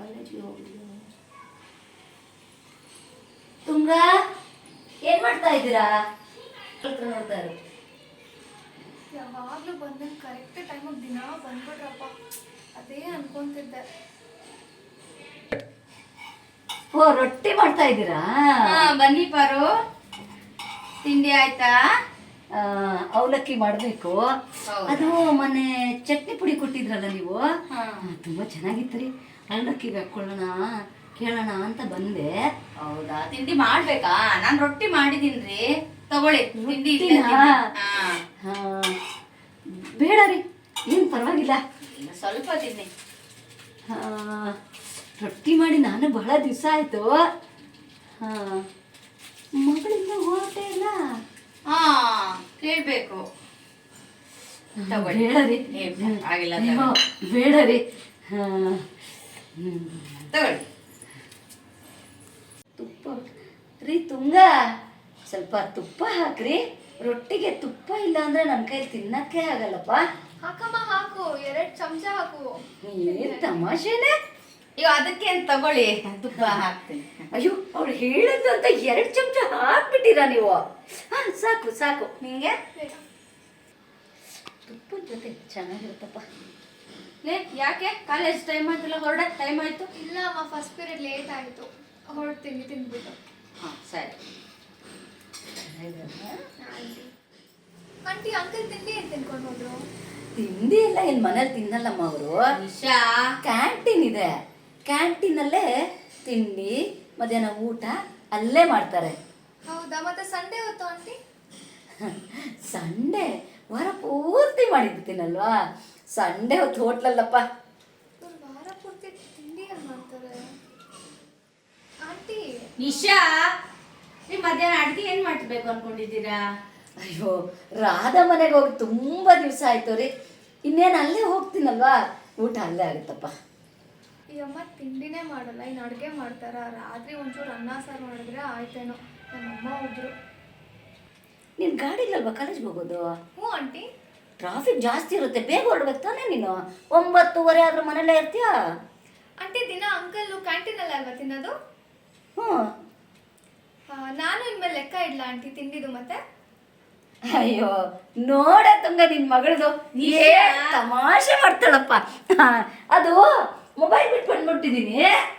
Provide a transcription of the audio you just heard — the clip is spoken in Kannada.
ಕಾಲೇಜ್ಗೆ ಹೋಗಿಲ್ಲ. ತುಂಗ ಏನ್ ಮಾಡ್ತಾ ಇದ್ದೀರಾ? ನೋಡ್ತಾ ಇರು. ಯಾವಾಗ್ಲೂ ಬಂದಂಗೆ ಕರೆಕ್ಟ್ ಟೈಮಿಗೆ ದಿನ ಬಂದ್ಬಿಟ್ರಪ್ಪ, ಅದೇ ಅನ್ಕೊಂತಿದ್ದೆ. ಓ, ರೊಟ್ಟಿ ಮಾಡ್ತಾ ಇದ್ದೀರಾ? ಬನ್ನಿ ಪಾರು, ತಿಂಡಿ ಆಯ್ತಾ? ಅವಲಕ್ಕಿ ಮಾಡಬೇಕು. ಅದು ಮೊನ್ನೆ ಚಟ್ನಿ ಪುಡಿ ಕೊಟ್ಟಿದ್ರಲ್ಲ ನೀವು, ತುಂಬಾ ಚೆನ್ನಾಗಿತ್ತು ರೀ. ಅವಲಕ್ಕಿಗೆ ಹಾಕೊಳ್ಳೋಣ ಕೇಳೋಣ ಅಂತ ಬಂದೆ. ಹೌದಾ, ತಿಂಡಿ ಮಾಡ್ಬೇಕಾ? ನಾನು ರೊಟ್ಟಿ ಮಾಡಿದೀನ್ರಿ, ತಗೊಳ್ಳಿ ತಿಂಡಿ. ಬೇಡ ರೀ, ಏನು ಪರವಾಗಿಲ್ಲ, ಸ್ವಲ್ಪ ತಿನ್ನಿ. ರೊಟ್ಟಿ ಮಾಡಿ ನಾನು ಬಹಳ ದಿವಸ ಆಯ್ತು. ಮಗಳಿಂದ ಹೋಟೆ ಇಲ್ಲ. ಕೇಳ್ಬೇಕು. ಬೇಡ ರೀ, ಆಗಿಲ್ಲ, ಬೇಡ ರೀ. ತಗೊಳ್ಳಿ. ತುಪ್ಪ ರೀ ತುಂಗ, ಸ್ವಲ್ಪ ತುಪ್ಪ ಹಾಕ್ರಿ. ರೊಟ್ಟಿಗೆ ತುಪ್ಪ ಇಲ್ಲ ಅಂದ್ರೆ ನನ್ನ ಕೈ ತಿನ್ನಕ್ಕೆ ಆಗಲ್ಲಪ್ಪ. ಹಾಕಮ್ಮ, ಹಾಕು, 2 ಚಮಚ ಹಾಕು. ಏನ್ ತಮಾಷೆನೆ? ಈಗ ಅದಕ್ಕೆ ತಗೊಳ್ಳಿ, ತುಪ್ಪ ಹಾಕ್ತೀನಿ. ಅಯ್ಯೋ, ಅವ್ರು ಹೇಳಿದ್ದು ಅಂತ 2 ಚಮಚ ಹಾಕ್ಬಿಟ್ಟಿರಾ ನೀವು? ಸಾಕು ಸಾಕು. ನಿಂಗೆ ತುಪ್ಪದ ಜೊತೆ ಚೆನ್ನಾಗಿರುತ್ತಪ್ಪ. ಯಾಕೆ ಕಾಲೇಜ್ ಟೈಮ್ ಆಯ್ತಲ್ಲ, ಹೊರಡ ಟೈಮ್ ಆಯ್ತು? ಇಲ್ಲ ಅಮ್ಮ, ಫಸ್ಟ್ ಪೀರಿಯಡ್ ಲೇಟ್ ಆಯಿತು, ಹೊರಡ್ತೀನಿ ತಿಂದ್ಬಿಟ್ಟು. ಸರಿ. ಆಂಟಿ, ಅಂಕಲ್ ತಿಂಡಿ ಏನು ತಿನ್ಕೊಂಡು ಹೋದ್ರು? ತಿಂಡಿ ಎಲ್ಲ ಇಲ್ಲಿ ಮನೇಲಿ ತಿನ್ನಲ್ಲಮ್ಮ ಅವರು. ನಿಶಾ, ಕ್ಯಾಂಟೀನ್ ಇದೆ, ಕ್ಯಾಂಟೀನಲ್ಲೇ ತಿಂಡಿ ಮಧ್ಯಾಹ್ನ ಊಟ ಅಲ್ಲೇ ಮಾಡ್ತಾರೆ. ಹೌದಾ, ಮತ್ತೆ ಸಂಡೇ ಹೊತ್ತು ಆಂಟಿ? ಸಂಡೇ ವಾರ ಪೂರ್ತಿ ಮಾಡಿರ್ತೀನಲ್ವಾ, ಸಂಡೇ ಹೊತ್ತು ಹೋಟ್ಲಲ್ಲಪ್ಪ. ವಾರ ಪೂರ್ತಿ ತಿಂಡಿ ಏನು ಮಾಡ್ತಾರೆ ಆಂಟಿ? ನಿಶಾ, ನೀವು ಮಧ್ಯಾಹ್ನ ಅಡುಗೆ ಏನು ಮಾಡ್ಬೇಕು ಅನ್ಕೊಂಡಿದ್ದೀರಾ? ಅಯ್ಯೋ, ರಾಧಾ ಮನೆಗೆ ಹೋಗಿ ತುಂಬಾ ದಿವಸ ಆಯ್ತು ರೀ. ಇನ್ನೇನು ಅಲ್ಲೇ ಹೋಗ್ತೀನಲ್ವಾ, ಊಟ ಅಲ್ಲೇ ಆಗುತ್ತಪ್ಪ. ಈ ಅಮ್ಮ ತಿಂಡಿನೇ ಮಾಡಲ್ಲ, ಇನ್ನು ಅಡುಗೆ ಮಾಡ್ತಾರ? ರಾತ್ರಿ ಒಂಚೂರು ಅನ್ನ ಸಾರು ಮಾಡಿದ್ರೆ ಆಯ್ತೇನೋ. ನಮ್ಮಮ್ಮ ಹೋದ್ರು. ನೀನು ಗಾಡಿ ಇಲ್ಲಲ್ವಾ ಕಾಲೇಜ್ಗೆ ಹೋಗೋದು? ಹ್ಞೂ ಆಂಟಿ. ಟ್ರಾಫಿಕ್ ಜಾಸ್ತಿ ಇರುತ್ತೆ, ಬೇಗ ಹೊರಡ್ಬೇಕು ತಾನೇ ನೀನು. 9:30 ಆದ್ರೂ ಮನೇಲೇ ಇರ್ತೀಯಾ? ಆಂಟಿ, ದಿನ ಅಂಕಲ್ ಕ್ಯಾಂಟೀನಲ್ಲಿ ಅಲ್ವಾ ತಿನ್ನೋದು? ಹ್ಞೂ. ನಾನು ಇನ್ಮೇಲೆ ಲೆಕ್ಕ ಇಡ್ಲಾ ಆಂಟಿ ತಿಂಡಿದು ಮತ್ತೆ? ಅಯ್ಯೋ ನೋಡ ತುಂಗ, ನಿನ್ ಮಗಳದು ತಮಾಷೆ ಮಾಡ್ತಾಳಪ್ಪ. ಅದು ಮೊಬೈಲ್ ಬಿಟ್ಟು ಬಂದ್ಬಿಟ್ಟಿದೀನಿ.